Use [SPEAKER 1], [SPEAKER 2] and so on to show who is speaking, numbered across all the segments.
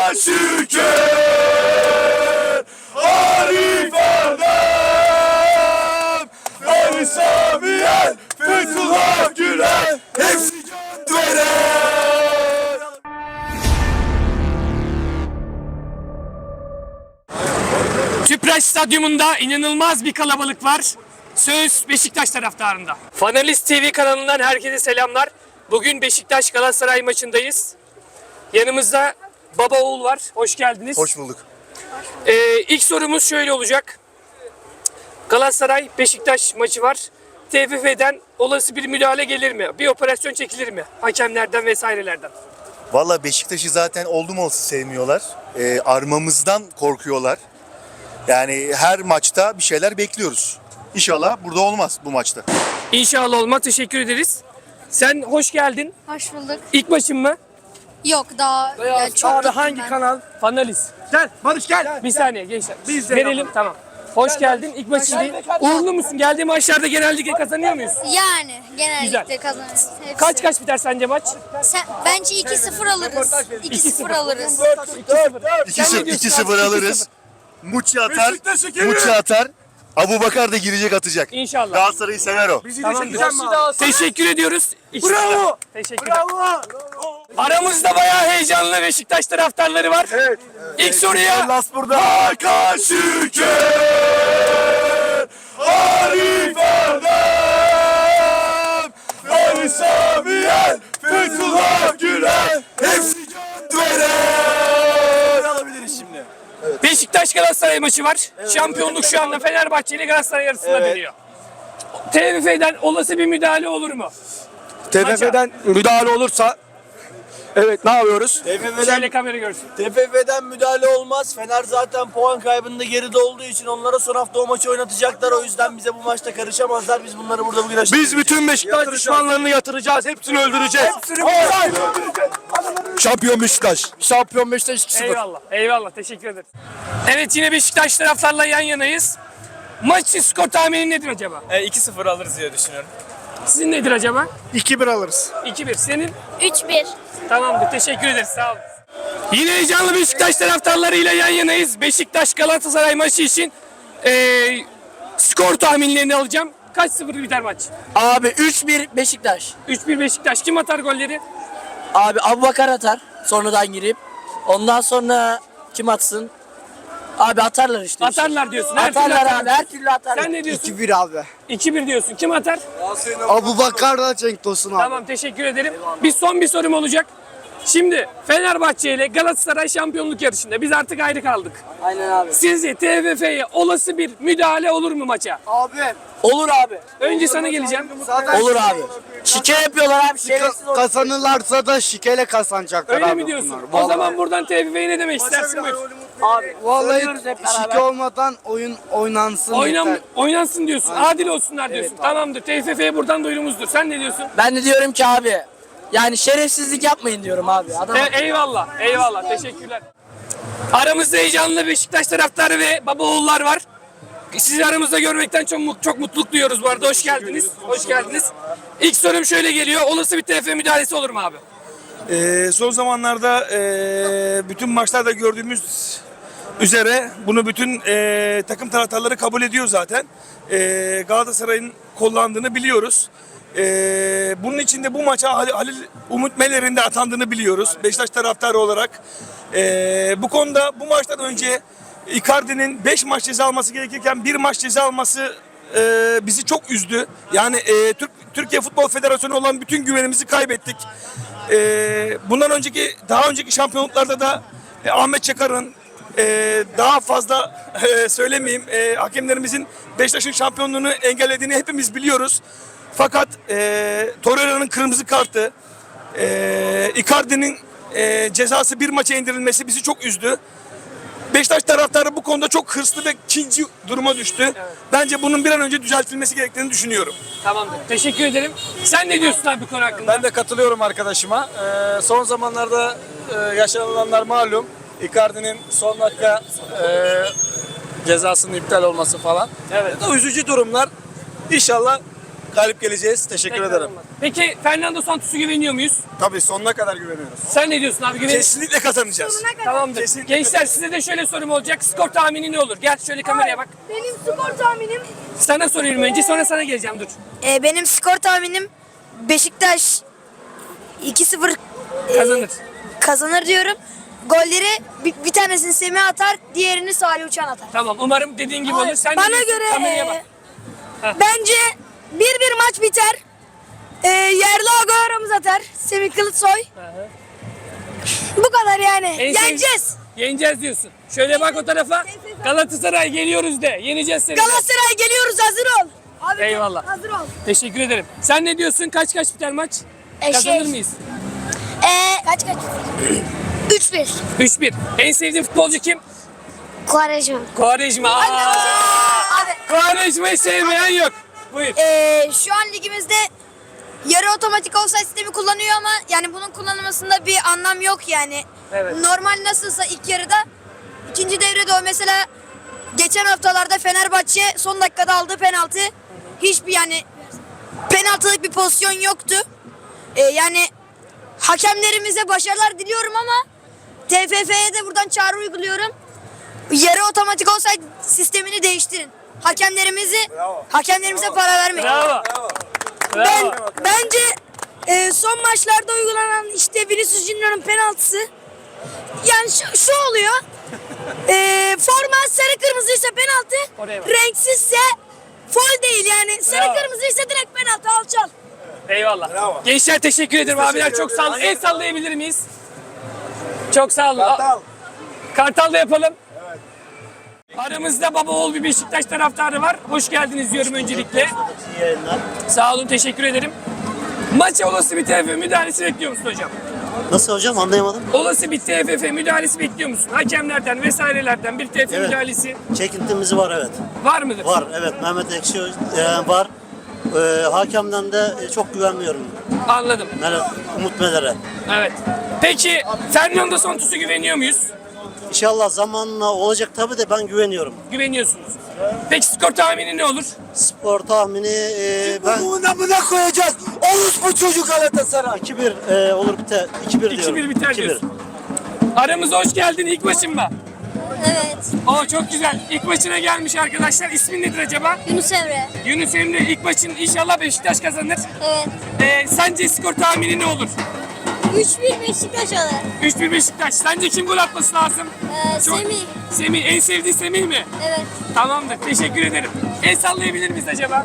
[SPEAKER 1] Şüker, Arif Erdem, Ali Samiyen, Fethullah Gülen, hepsi can veren.
[SPEAKER 2] Tüpraş Stadyumunda inanılmaz bir kalabalık var. Söz Beşiktaş taraftarında. Fanalist TV kanalından herkese selamlar. Bugün Beşiktaş Galatasaray maçındayız. Yanımızda baba oğul var. Hoş geldiniz.
[SPEAKER 1] Hoş bulduk.
[SPEAKER 2] İlk sorumuz şöyle olacak. Galatasaray Beşiktaş maçı var. TFF'den olası bir müdahale gelir mi? Bir operasyon çekilir mi? Hakemlerden vesairelerden.
[SPEAKER 1] Valla Beşiktaş'ı zaten oldum olası sevmiyorlar. Armamızdan korkuyorlar. Yani her maçta bir şeyler bekliyoruz. İnşallah burada olmaz bu maçta.
[SPEAKER 2] İnşallah olmaz. Teşekkür ederiz. Sen hoş geldin.
[SPEAKER 3] Hoş bulduk.
[SPEAKER 2] İlk maçın mı?
[SPEAKER 3] Yok daha çok
[SPEAKER 2] Abi
[SPEAKER 3] gittim
[SPEAKER 2] hangi
[SPEAKER 3] ben.
[SPEAKER 2] kanal? Fanalist.
[SPEAKER 4] Gel Barış gel.
[SPEAKER 2] Bir saniye gençler.
[SPEAKER 4] Biz de
[SPEAKER 2] Verelim tamam. Hoş geldin. İlk maçı değil. Uğurlu musun? Geldiği maçlarda genellikle kazanıyor muyuz?
[SPEAKER 3] Yani genellikle
[SPEAKER 2] Güzel.
[SPEAKER 3] kazanırız. Hepsi.
[SPEAKER 2] Kaç biter sence maç?
[SPEAKER 3] Bence 2-0 alırız. 2-0 alırız.
[SPEAKER 1] 2-0 alırız. Muçi atar. Muçi atar. Abubakar da girecek atacak.
[SPEAKER 2] İnşallah.
[SPEAKER 1] Galatasaray'ı sever o.
[SPEAKER 4] Bizi
[SPEAKER 2] Tamam.
[SPEAKER 4] de çekeceğim mi abi?
[SPEAKER 2] Teşekkür ediyoruz.
[SPEAKER 4] Bravo.
[SPEAKER 2] Teşekkürler.
[SPEAKER 4] Bravo.
[SPEAKER 2] Aramızda bayağı heyecanlı Beşiktaş taraftarları var.
[SPEAKER 4] Evet.
[SPEAKER 2] İlk soruya
[SPEAKER 4] Las burada.
[SPEAKER 1] Hakan Şüker, Arif Erdem, Ali Samiyen, Fethullah Gülen, hepsi can veren.
[SPEAKER 4] Alabiliriz şimdi.
[SPEAKER 2] Beşiktaş Galatasaray maçı var. Şampiyonluk şu anda Fenerbahçe ile Galatasaray arasında dönüyor. TFF'den olası bir müdahale olur mu?
[SPEAKER 4] TFF'den müdahale olursa evet ne yapıyoruz?
[SPEAKER 2] Şöyle kamera görsün.
[SPEAKER 5] TFF'den müdahale olmaz. Fener zaten puan kaybında geride olduğu için onlara son hafta o maçı oynatacaklar. O yüzden bize bu maçta karışamazlar. Biz bunları burada bugün
[SPEAKER 4] Biz bütün Beşiktaş düşmanlarını yatıracağız. Hepsini öldüreceğiz. Şampiyon Beşiktaş. Şampiyon Beşiktaş 2-0.
[SPEAKER 2] Eyvallah. Eyvallah. Teşekkür ederim. Evet yine Beşiktaş taraftarla yan yanayız. Maç için skor tahmini nedir acaba?
[SPEAKER 6] 2-0 alırız diye düşünüyorum.
[SPEAKER 2] Sizin nedir acaba?
[SPEAKER 4] 2-1 alırız.
[SPEAKER 2] 2-1. Senin?
[SPEAKER 3] 3-1.
[SPEAKER 2] Tamamdır. Teşekkür ederiz. Sağ olun. Yine heyecanlı Beşiktaş taraftarlarıyla yan yanayız. Beşiktaş Galatasaray maçı için skor tahminlerini alacağım. Kaç 0 biter maç?
[SPEAKER 5] Abi 3-1 Beşiktaş.
[SPEAKER 2] 3-1 Beşiktaş. Kim atar golleri?
[SPEAKER 5] Abi Abubakar atar sonradan girip. Ondan sonra kim atsın? Abi atarlar işte.
[SPEAKER 2] Atarlar diyorsun. Her türlü
[SPEAKER 5] Atarlar
[SPEAKER 2] atarlar.
[SPEAKER 5] abi. Her türlü atarlar.
[SPEAKER 2] Sen ne diyorsun?
[SPEAKER 4] 2-1 abi.
[SPEAKER 2] 2-1 diyorsun. Kim atar?
[SPEAKER 4] Abubakar da Cenk Tosun abi.
[SPEAKER 2] Tamam teşekkür ederim. Son bir sorum olacak. Şimdi Fenerbahçe ile Galatasaray şampiyonluk yarışında biz artık ayrı kaldık.
[SPEAKER 5] Aynen abi.
[SPEAKER 2] Sizce TFF'ye olası bir müdahale olur mu maça?
[SPEAKER 4] Abi.
[SPEAKER 5] Olur abi.
[SPEAKER 2] Önce sana geleceğim.
[SPEAKER 5] Olur abi. Şike yapıyorlar abi. Şerefsiz olur.
[SPEAKER 4] Kazanırlarsa da şikeyle kazanacaklar
[SPEAKER 2] Öyle
[SPEAKER 4] abi
[SPEAKER 2] mi diyorsun?
[SPEAKER 4] bunlar.
[SPEAKER 2] O
[SPEAKER 4] Vallahi.
[SPEAKER 2] zaman buradan TFF'ye ne demek istersin? Buyur.
[SPEAKER 5] Abi.
[SPEAKER 4] Vallahi
[SPEAKER 5] Söylüyoruz hep beraber.
[SPEAKER 4] şike olmadan oyun oynansın. yeter.
[SPEAKER 2] Oynansın diyorsun. Adil olsunlar diyorsun. Tamamdır. TFF'ye buradan duyurumuzdur. Sen ne diyorsun?
[SPEAKER 5] Ben de diyorum ki abi. Yani şerefsizlik yapmayın diyorum abi. Adam
[SPEAKER 2] Eyvallah. Eyvallah. Teşekkürler. Aramızda heyecanlı Beşiktaş taraftarı ve baba oğullar var. Sizi aramızda görmekten çok mutluluk duyuyoruz bu arada. Hoş geldiniz. Hoş geldiniz. İlk sorum şöyle geliyor. Olası bir TFF müdahalesi olur mu abi?
[SPEAKER 7] Son zamanlarda bütün maçlarda gördüğümüz üzere bunu bütün takım taraftarları kabul ediyor zaten. Galatasaray'ın kullandığını biliyoruz. Bunun için de bu maça Halil Umut Meler'in de atandığını biliyoruz Beşiktaş taraftarı olarak. Bu konuda bu maçtan önce Icardi'nin 5 maç ceza alması gerekirken 1 maç ceza alması bizi çok üzdü. Yani Türkiye Futbol Federasyonu olan bütün güvenimizi kaybettik. Daha önceki şampiyonluklarda da Ahmet Çakar'ın daha fazla söylemeyeyim hakemlerimizin Beşiktaş'ın şampiyonluğunu engellediğini hepimiz biliyoruz. Fakat Torreira'nın kırmızı kartı, Icardi'nin cezası 1 maça indirilmesi bizi çok üzdü. Beşiktaş taraftarı bu konuda çok hırslı ve kinci duruma düştü. Evet. Bence bunun bir an önce düzeltilmesi gerektiğini düşünüyorum.
[SPEAKER 2] Tamamdır. Teşekkür ederim. Sen ne diyorsun abi bu konu hakkında?
[SPEAKER 6] Ben de katılıyorum arkadaşıma. Son zamanlarda yaşanılanlar malum. Icardi'nin son dakika cezasının iptal olması falan.
[SPEAKER 2] Evet.
[SPEAKER 6] Bu da üzücü durumlar. İnşallah
[SPEAKER 5] galip geleceğiz. Teşekkür ederim.
[SPEAKER 2] Peki Fernando Santos'a güveniyor muyuz?
[SPEAKER 7] Tabii sonuna kadar güveniyoruz.
[SPEAKER 2] Sen ne diyorsun abi? Güveniyor musun?
[SPEAKER 7] Kesinlikle kazanacağız.
[SPEAKER 2] Tamamdır.
[SPEAKER 7] Kesinlikle
[SPEAKER 2] Gençler size de şöyle sorum olacak. Skor tahmini ne olur? Gel şöyle kameraya bak.
[SPEAKER 3] Benim skor tahminim
[SPEAKER 2] Sana soruyorum önce sonra sana geleceğim dur.
[SPEAKER 3] benim skor tahminim Beşiktaş 2-0
[SPEAKER 2] Kazanır.
[SPEAKER 3] kazanır diyorum. Golleri bir tanesini Semih atar, diğerini Salih Uçan atar.
[SPEAKER 2] Tamam umarım dediğin gibi olur. Sen ne
[SPEAKER 3] Bana
[SPEAKER 2] diyorsun?
[SPEAKER 3] göre
[SPEAKER 2] Kameraya bak.
[SPEAKER 3] bence 1-1 maç biter. Yerli Agü aramız atar. Semih Kılıçsoy. Bu kadar yani.
[SPEAKER 2] En sev-
[SPEAKER 3] Yeneceğiz.
[SPEAKER 2] Yeneceğiz diyorsun. Şöyle bak o tarafa. Galatasaray geliyoruz de. Yeneceğiz seni.
[SPEAKER 3] Galatasaray geliyoruz, hazır ol. Abi,
[SPEAKER 2] Eyvallah.
[SPEAKER 3] hazır ol.
[SPEAKER 2] Teşekkür ederim. Sen ne diyorsun? Kaç biter maç? Kazanır mıyız?
[SPEAKER 3] Kaç? 3-1.
[SPEAKER 2] 3-1. En sevdiğin futbolcu kim?
[SPEAKER 3] Quaresma.
[SPEAKER 2] Quaresma.
[SPEAKER 3] Abi,
[SPEAKER 2] Quaresma'yı sevmeyen yok. Buyur.
[SPEAKER 3] şu an ligimizde yarı otomatik offside sistemi kullanıyor ama yani bunun kullanılmasında bir anlam yok yani.
[SPEAKER 2] Evet.
[SPEAKER 3] Normal nasılsa ilk yarıda, ikinci devrede o mesela geçen haftalarda Fenerbahçe son dakikada aldığı penaltı hiçbir yani penaltılık bir pozisyon yoktu. Yani hakemlerimize başarılar diliyorum ama TFF'ye de buradan çağrı uyguluyorum. Yarı otomatik offside sistemini değiştirin. Hakemlerimize para vermeyin.
[SPEAKER 2] Bravo. Bravo.
[SPEAKER 3] Bence son maçlarda uygulanan işte Vinicius Junior'ın penaltısı yani şu oluyor. Forma sarı kırmızıysa penaltı,
[SPEAKER 2] Oraya bak.
[SPEAKER 3] renksizse foul değil yani. Sarı
[SPEAKER 2] Bravo.
[SPEAKER 3] kırmızıysa direkt penaltı, alçal.
[SPEAKER 2] Eyvallah.
[SPEAKER 7] Bravo.
[SPEAKER 2] Gençler teşekkür ederim abiler. Çok sağ olun. El sallayabilir miyiz? Çok sağ olun. Kartal da yapalım. Aramızda baba oğul bir Beşiktaş taraftarı var. Hoş geldiniz diyorum öncelikle. Sağ olun, teşekkür ederim. Maça olası bir TFF müdahalesi bekliyor musun hocam?
[SPEAKER 8] Nasıl hocam, anlayamadım.
[SPEAKER 2] Olası bir TFF müdahalesi bekliyor musun? Hakemlerden vesairelerden bir TFF
[SPEAKER 8] Evet.
[SPEAKER 2] müdahalesi
[SPEAKER 8] Çekintimiz var, evet.
[SPEAKER 2] var mıdır?
[SPEAKER 8] Var, evet. Mehmet Ekşi var. Hakemden de çok güvenmiyorum.
[SPEAKER 2] Anladım.
[SPEAKER 8] Umut Meler'e.
[SPEAKER 2] Evet. Peki Fernando Santos'a güveniyor muyuz?
[SPEAKER 8] İnşallah zamanla olacak tabii de ben güveniyorum.
[SPEAKER 2] Güveniyorsunuz. Peki skor tahmini ne olur?
[SPEAKER 8] Spor tahmini ben
[SPEAKER 5] Buna koyacağız. Olur bu çocuk Galatasaray.
[SPEAKER 8] 2-1 olur biter. 2-1 diyorum.
[SPEAKER 2] 2-1 biter diyorsun. Aramıza hoş geldin ilk maçın mı?
[SPEAKER 3] Evet.
[SPEAKER 2] Oo çok güzel. İlk maçına gelmiş arkadaşlar. İsmin nedir acaba?
[SPEAKER 3] Yunus Emre.
[SPEAKER 2] Yunus Emre ilk maçın inşallah Beşiktaş kazanır.
[SPEAKER 3] Evet.
[SPEAKER 2] Sence skor tahmini ne olur?
[SPEAKER 3] 3-1 Beşiktaş alır.
[SPEAKER 2] 3-1 Beşiktaş. Sence kim gol atması lazım?
[SPEAKER 3] Semih.
[SPEAKER 2] Semih. En sevdiğin Semih mi?
[SPEAKER 3] Evet.
[SPEAKER 2] Tamamdır. Teşekkür ederim. El sallayabilir miyiz acaba?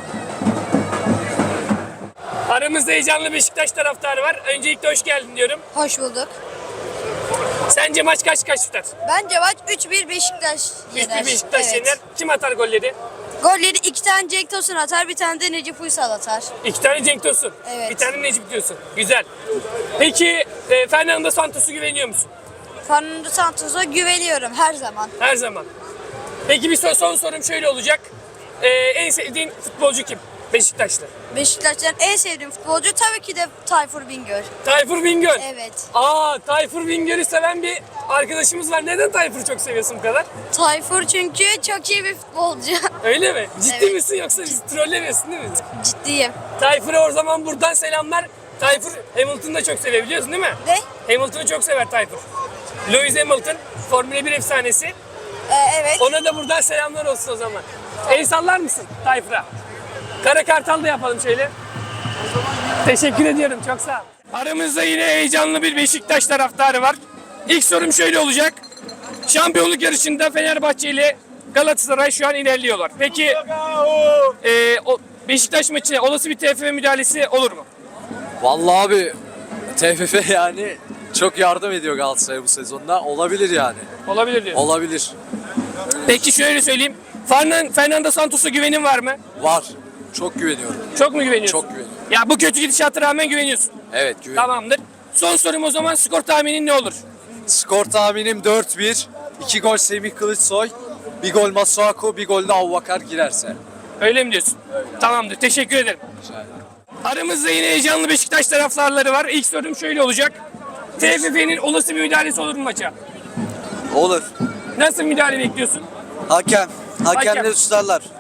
[SPEAKER 2] Aramızda heyecanlı Beşiktaş taraftarı var. Öncelikle hoş geldin diyorum.
[SPEAKER 3] Hoş bulduk.
[SPEAKER 2] Sence maç kaç biter?
[SPEAKER 3] Bence maç 3-1 Beşiktaş
[SPEAKER 2] 3-1 Beşiktaş yener. Kim atar golleri?
[SPEAKER 3] Golleri 2 tane Cenk Tosun atar, bir tane de Necip Uysal atar.
[SPEAKER 2] 2 tane Cenk Tosun.
[SPEAKER 3] Evet.
[SPEAKER 2] Bir tane Necip diyorsun. Güzel. Peki Fernando Santos'a güveniyor musun?
[SPEAKER 3] Fernando Santos'a güveniyorum her zaman.
[SPEAKER 2] Her zaman. Peki bir son sorum şöyle olacak. En sevdiğin futbolcu kim? Beşiktaş'ta.
[SPEAKER 3] Beşiktaş'tan en sevdiğim futbolcu tabii ki de Tayfur Bingöl.
[SPEAKER 2] Tayfur Bingöl.
[SPEAKER 3] Evet.
[SPEAKER 2] Tayfur Bingöl'ü seven bir arkadaşımız var. Neden Tayfur'u çok seviyorsun bu kadar?
[SPEAKER 3] Tayfur çünkü çok iyi bir futbolcu.
[SPEAKER 2] Öyle mi? Ciddi
[SPEAKER 3] Evet.
[SPEAKER 2] misin yoksa bizi trollemiyorsun değil mi?
[SPEAKER 3] Ciddiyim.
[SPEAKER 2] Tayfur'a o zaman buradan selamlar. Tayfur Hamilton'ı da çok seviyor biliyorsun değil mi?
[SPEAKER 3] Ne?
[SPEAKER 2] Hamilton'ı çok sever Tayfur. Lewis Hamilton, Formula 1 efsanesi.
[SPEAKER 3] Evet.
[SPEAKER 2] Ona da buradan selamlar olsun o zaman. El sallar mısın Tayfur'a? Kara Kartal da yapalım şöyle. Teşekkür ediyorum, çok sağ ol. Aramızda yine heyecanlı bir Beşiktaş taraftarı var. İlk sorum şöyle olacak. Şampiyonluk yarışında Fenerbahçe ile Galatasaray şu an ilerliyorlar. Peki o Beşiktaş maçına olası bir TFF müdahalesi olur mu?
[SPEAKER 9] Vallahi abi TFF yani çok yardım ediyor Galatasaray'a bu sezonda. Olabilir yani.
[SPEAKER 2] Olabilir diyorsun.
[SPEAKER 9] Olabilir.
[SPEAKER 2] Peki şöyle söyleyeyim. Fernando Santos'a güvenin var mı?
[SPEAKER 9] Var. Çok güveniyorum.
[SPEAKER 2] Çok mu güveniyorsun?
[SPEAKER 9] Çok güveniyorum.
[SPEAKER 2] Ya bu kötü gidişata rağmen güveniyorsun.
[SPEAKER 9] Evet güveniyorum.
[SPEAKER 2] Tamamdır. Son sorum o zaman skor tahminin ne olur?
[SPEAKER 9] Skor tahminim 4-1. 2 gol Semih Kılıçsoy. 1 gol Masuaku, 1 gol de Avvakar girerse.
[SPEAKER 2] Öyle mi diyorsun? Tamamdır. Teşekkür ederim. Aramızda yine heyecanlı Beşiktaş taraftarları var. İlk sorum şöyle olacak. TFF'nin olası bir müdahalesi olur mu maça?
[SPEAKER 5] Olur.
[SPEAKER 2] Nasıl müdahale bekliyorsun?
[SPEAKER 5] Hakemleri
[SPEAKER 2] Hakem.
[SPEAKER 5] tutarlar.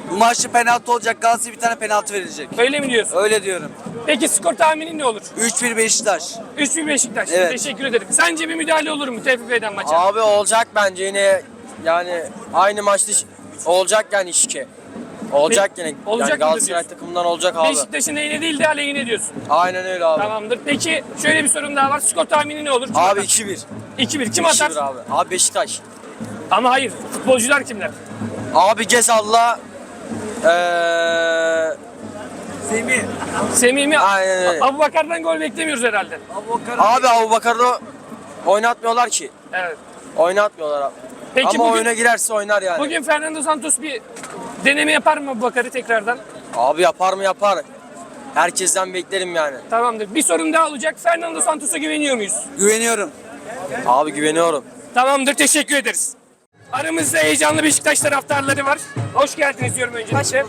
[SPEAKER 5] Bu maçta penaltı olacak. Galatasaray bir tane penaltı verilecek.
[SPEAKER 2] Öyle mi diyorsun?
[SPEAKER 5] Öyle diyorum.
[SPEAKER 2] Peki skor tahminin ne olur?
[SPEAKER 5] 3-1 Beşiktaş.
[SPEAKER 2] 3-1 Beşiktaş.
[SPEAKER 5] Evet.
[SPEAKER 2] Teşekkür ederim. Sence bir müdahale olur mu TFF'den maça?
[SPEAKER 10] Abi olacak bence yine yani aynı maçta olacak yani işki. Olacak yine.
[SPEAKER 2] Olacak
[SPEAKER 10] yani
[SPEAKER 2] mıdır
[SPEAKER 10] Galatasaray
[SPEAKER 2] diyorsun?
[SPEAKER 10] takımından olacak abi.
[SPEAKER 2] Beşiktaş'ın lehine değil de aleyhine diyorsun.
[SPEAKER 10] Aynen öyle abi.
[SPEAKER 2] Tamamdır. Peki şöyle bir sorum daha var. Skor tahmini ne olur? Kim
[SPEAKER 10] Abi
[SPEAKER 2] atar?
[SPEAKER 10] 2-1.
[SPEAKER 2] 2-1. Kim atar?
[SPEAKER 10] 2-1 abi. Abi Beşiktaş.
[SPEAKER 2] Ama hayır. Futbolcular kimler?
[SPEAKER 10] Abi Gezal'la
[SPEAKER 2] Semih mi?
[SPEAKER 10] Aynen öyle.
[SPEAKER 2] Abubakar'dan gol beklemiyoruz herhalde.
[SPEAKER 10] abi Abubakar'ı oynatmıyorlar ki.
[SPEAKER 2] Evet.
[SPEAKER 10] Oynatmıyorlar abi.
[SPEAKER 2] Peki
[SPEAKER 10] Ama
[SPEAKER 2] bugün,
[SPEAKER 10] oyuna girerse oynar yani.
[SPEAKER 2] bugün Fernando Santos bir deneme yapar mı Abubakar'ı tekrardan?
[SPEAKER 10] Abi yapar mı yapar. Herkesten beklerim yani.
[SPEAKER 2] Tamamdır. Bir sorum daha olacak. Fernando Santos'a güveniyor muyuz?
[SPEAKER 5] Güveniyorum.
[SPEAKER 10] Abi güveniyorum.
[SPEAKER 2] Tamamdır. Teşekkür ederiz. Aramızda heyecanlı Beşiktaş taraftarları var. Hoş geldiniz diyorum öncelikle.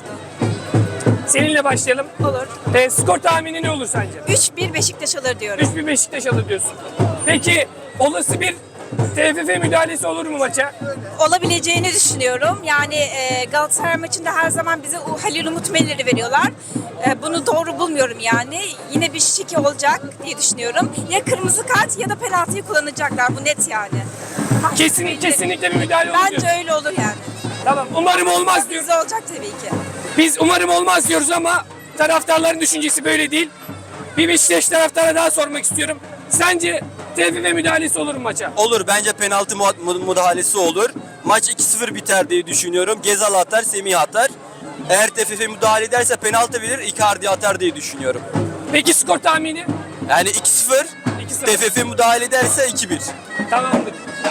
[SPEAKER 2] Seninle başlayalım.
[SPEAKER 11] Olur.
[SPEAKER 2] Skor tahmini ne olur sence?
[SPEAKER 11] 3-1 Beşiktaş alır diyorum.
[SPEAKER 2] 3-1 Beşiktaş alır diyorsun. Peki olası bir TFF müdahalesi olur mu maça?
[SPEAKER 11] Olabileceğini düşünüyorum. Yani Galatasaray maçında her zaman bize Halil Umut Meler'i veriyorlar. Bunu doğru bulmuyorum yani. Yine bir şike olacak diye düşünüyorum. Ya kırmızı kart ya da penaltıyı kullanacaklar. Bu net yani.
[SPEAKER 2] Kesinlikle bir müdahale olur
[SPEAKER 11] Bence
[SPEAKER 2] diyorsun.
[SPEAKER 11] öyle olur yani.
[SPEAKER 2] Tamam. Umarım olmaz diyoruz.
[SPEAKER 11] Bize olacak tabii ki.
[SPEAKER 2] Biz umarım olmaz diyoruz ama taraftarların düşüncesi böyle değil. Bir Beşiktaş taraftara daha sormak istiyorum. Sence TFF müdahalesi olur mu maça?
[SPEAKER 5] Olur. Bence penaltı müdahalesi olur. Maç 2-0 biter diye düşünüyorum. Gezal atar, Semih atar. Eğer TFF müdahale ederse penaltı verir, Icardi atar diye düşünüyorum.
[SPEAKER 2] Peki skor tahmini?
[SPEAKER 5] Yani 2-0,
[SPEAKER 2] 2-0.
[SPEAKER 5] TFF müdahale ederse 2-1.
[SPEAKER 2] Tamamdır.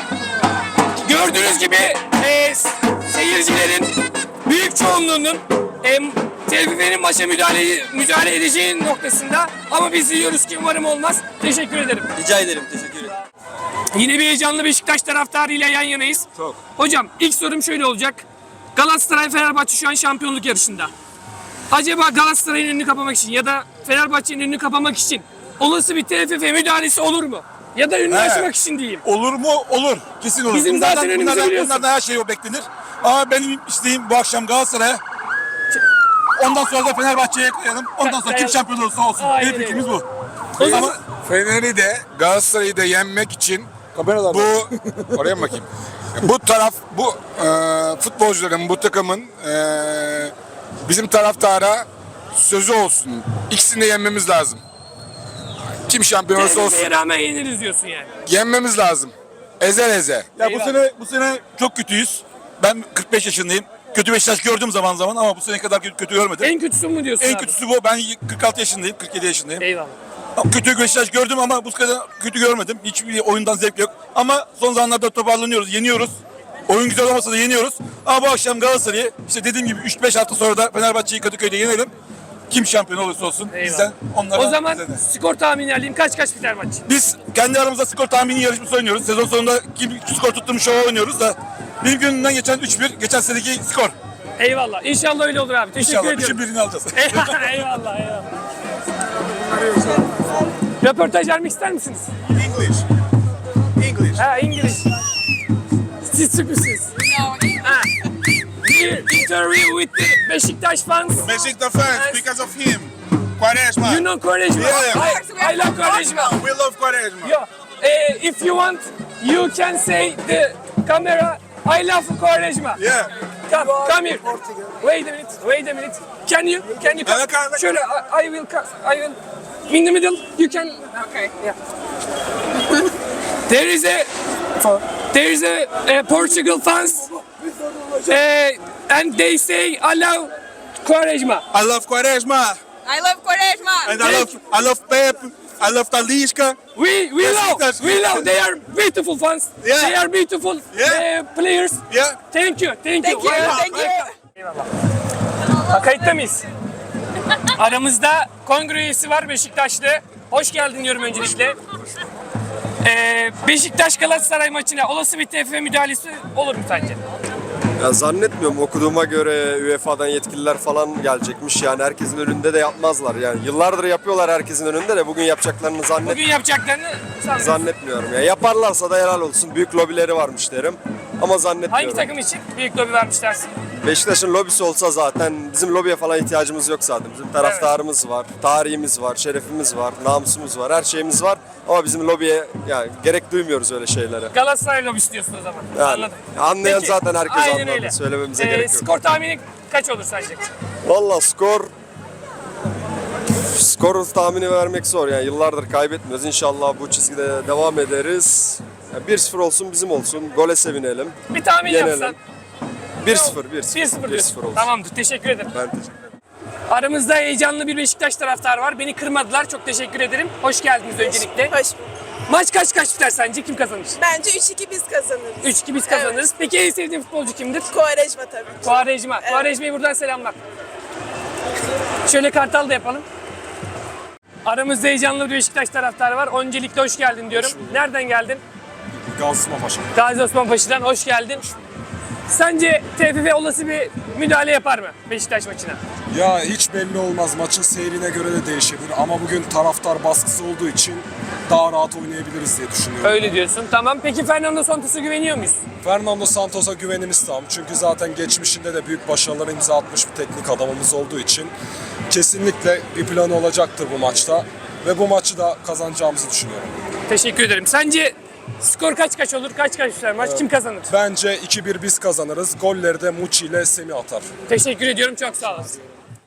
[SPEAKER 2] Gördüğünüz gibi seyircilerin büyük çoğunluğunun TFF'nin maça müdahale edeceği noktasında ama biz diyoruz ki umarım olmaz. Teşekkür ederim.
[SPEAKER 5] Rica ederim, teşekkür ederim.
[SPEAKER 2] Yine bir heyecanlı Beşiktaş taraftarıyla yan yanayız.
[SPEAKER 7] Çok.
[SPEAKER 2] Hocam ilk sorum şöyle olacak. Galatasaray Fenerbahçe şu an şampiyonluk yarışında. Acaba Galatasaray'ın önünü kapamak için ya da Fenerbahçe'nin önünü kapamak için olası bir TFF müdahalesi olur mu? Ya da önünü açmak için diyeyim.
[SPEAKER 7] Olur mu? Olur. Kesin olur.
[SPEAKER 2] Bizim zaten önümüzü biliyorsun.
[SPEAKER 7] Bunlardan her şey o beklenir. Ama benim isteğim bu akşam Galatasaray'a. Ondan sonra da Fenerbahçe'ye koyalım. Ondan sonra kim şampiyon olursa olsun.
[SPEAKER 2] Aynen
[SPEAKER 7] Benim fikrimiz bu.
[SPEAKER 2] O zaman-
[SPEAKER 7] Ama Fener'i de Galatasaray'ı da yenmek için bu oraya mı bakayım? Bu taraf bu futbolcuların bu takımın bizim taraftara sözü olsun. İkisini de yenmemiz lazım. Kim şampiyon olursa olsun.
[SPEAKER 2] TFF'ye rağmen yeniriz diyorsun yani.
[SPEAKER 7] Yenmemiz lazım. Ezer eze. Ya
[SPEAKER 2] Eyvallah.
[SPEAKER 7] bu sene çok kötüyüz. Ben 45 yaşındayım. Kötü Beşiktaş gördüm zaman zaman ama bu sene kadar kötü görmedim.
[SPEAKER 2] En kötüsü mü diyorsun
[SPEAKER 7] En
[SPEAKER 2] abi?
[SPEAKER 7] kötüsü bu. Ben 46 yaşındayım, 47 yaşındayım.
[SPEAKER 2] Eyvallah.
[SPEAKER 7] Kötü Beşiktaş gördüm ama bu kadar kötü görmedim. Hiçbir oyundan zevk yok. Ama son zamanlarda toparlanıyoruz, yeniyoruz. Oyun güzel olmasa da yeniyoruz. Ama bu akşam Galatasaray'ı işte dediğim gibi 3-5 hafta sonra da Fenerbahçe'yi Kadıköy'de yenelim. Kim şampiyon olursa olsun
[SPEAKER 2] Eyvallah.
[SPEAKER 7] bizden onlara.
[SPEAKER 2] O zaman
[SPEAKER 7] bize de.
[SPEAKER 2] skor tahmini alayım. Kaç biter maç?
[SPEAKER 7] Biz kendi aramızda skor tahmini yarışması oynuyoruz. Sezon sonunda kim skor tutturmuş şova oynuyoruz da benim gönlümden geçen 3-1, geçen seneki skor.
[SPEAKER 2] Eyvallah. İnşallah öyle olur abi. Teşekkür
[SPEAKER 7] İnşallah
[SPEAKER 2] ediyorum.
[SPEAKER 7] 3'ün birini alacağız.
[SPEAKER 2] eyvallah. Röportaj vermek ister misiniz?
[SPEAKER 7] English.
[SPEAKER 2] Ha, İngiliz. Siz Türk'sünüz. Ha. Interview with the Beşiktaş fans.
[SPEAKER 12] Besiktas fans because of him. Quaresma.
[SPEAKER 2] You know Quaresma?
[SPEAKER 12] Yeah.
[SPEAKER 2] I love Quaresma.
[SPEAKER 12] We love Quaresma.
[SPEAKER 2] Yeah. If you want, you can say the camera. I love Quaresma.
[SPEAKER 12] Yeah.
[SPEAKER 2] Come here. Wait a minute. Can you come? Şöyle, I will. In the middle, you can. Okay. Yeah. There is a Portugal fans, and they say I love Quaresma.
[SPEAKER 12] I love Quaresma.
[SPEAKER 11] I love Quaresma.
[SPEAKER 12] And I love Pep. I love Talisca.
[SPEAKER 2] We love. They are beautiful fans.
[SPEAKER 12] Yeah.
[SPEAKER 2] They are beautiful players.
[SPEAKER 12] Yeah.
[SPEAKER 2] Thank you.
[SPEAKER 11] Thank you.
[SPEAKER 2] Kayıtta mıyız? Aramızda kongre üyesi var Beşiktaşlı. Hoş geldin diyorum öncelikle. Beşiktaş Galatasaray maçına olası bir TFF müdahalesi olur mu sence?
[SPEAKER 9] Ya zannetmiyorum. Okuduğuma göre UEFA'dan yetkililer falan gelecekmiş. Yani herkesin önünde de yapmazlar. Yani yıllardır yapıyorlar herkesin önünde de bugün yapacaklarını
[SPEAKER 2] Bugün yapacaklarını sanmıyorum.
[SPEAKER 9] zannetmiyorum. Ya yaparlarsa da helal olsun. Büyük lobileri varmış derim. Ama zannetmiyorum.
[SPEAKER 2] Hangi takım için büyük lobi vermiş dersin?
[SPEAKER 9] Beşiktaş'ın lobisi olsa zaten bizim lobiye falan ihtiyacımız yok zaten. Bizim taraftarımız var, tarihimiz var, şerefimiz var, namusumuz var, her şeyimiz var. Ama bizim lobiye yani gerek duymuyoruz öyle şeylere.
[SPEAKER 2] Galatasaray lobisi diyorsun o zaman.
[SPEAKER 9] Yani,
[SPEAKER 2] Anladım.
[SPEAKER 9] anlayan
[SPEAKER 2] Peki,
[SPEAKER 9] zaten herkes
[SPEAKER 2] aynen
[SPEAKER 9] anladı.
[SPEAKER 2] öyle.
[SPEAKER 9] Söylememize gerek yok.
[SPEAKER 2] Skor tahmini kaç olur sence?
[SPEAKER 9] Valla skor tahmini vermek zor yani yıllardır kaybetmiyoruz. İnşallah bu çizgide devam ederiz. Yani 1-0 olsun bizim olsun. Gole sevinelim.
[SPEAKER 2] Bir tahmin
[SPEAKER 9] Yenelim.
[SPEAKER 2] yapsan.
[SPEAKER 9] 1-0
[SPEAKER 2] 1-0 diyorsun.
[SPEAKER 9] olsun.
[SPEAKER 2] Tamamdır. Teşekkür ederim.
[SPEAKER 9] Ben teşekkür ederim.
[SPEAKER 2] Aramızda heyecanlı bir Beşiktaş taraftarı var. Beni kırmadılar. Çok teşekkür ederim. Hoş geldiniz öncelikle.
[SPEAKER 11] Hoş.
[SPEAKER 2] Maç kaç biter sence? Kim kazanır?
[SPEAKER 11] Bence 3-2 biz kazanırız.
[SPEAKER 2] 3-2 biz kazanırız. Peki en sevdiğin futbolcu kimdir?
[SPEAKER 11] Quaresma tabii.
[SPEAKER 2] Quaresma. Quaresma'ya buradan selamlar. Şöyle kartal da yapalım. Aramızda heyecanlı bir Beşiktaş taraftarı var. Öncelikle hoş geldin diyorum. Nereden geldin?
[SPEAKER 7] Gazi Osman Paşa.
[SPEAKER 2] Gazi Osman Paşa'dan hoş geldin. Sence TFF olası bir müdahale yapar mı Beşiktaş maçına?
[SPEAKER 7] Ya hiç belli olmaz. Maçın seyrine göre de değişebilir. Ama bugün taraftar baskısı olduğu için daha rahat oynayabiliriz diye düşünüyorum.
[SPEAKER 2] Öyle diyorsun. Tamam. Peki Fernando Santos'a güveniyor muyuz?
[SPEAKER 7] Fernando Santos'a güvenimiz tam. Çünkü zaten geçmişinde de büyük başarılara imza atmış bir teknik adamımız olduğu için kesinlikle bir planı olacaktır bu maçta. Ve bu maçı da kazanacağımızı düşünüyorum.
[SPEAKER 2] Teşekkür ederim. Sence skor kaç olur? Kaç biter maç? Kim kazanır?
[SPEAKER 7] Bence 2-1 biz kazanırız. Golleri de Muçi ile Semih atar.
[SPEAKER 2] Teşekkür ediyorum. Çok sağ olasın.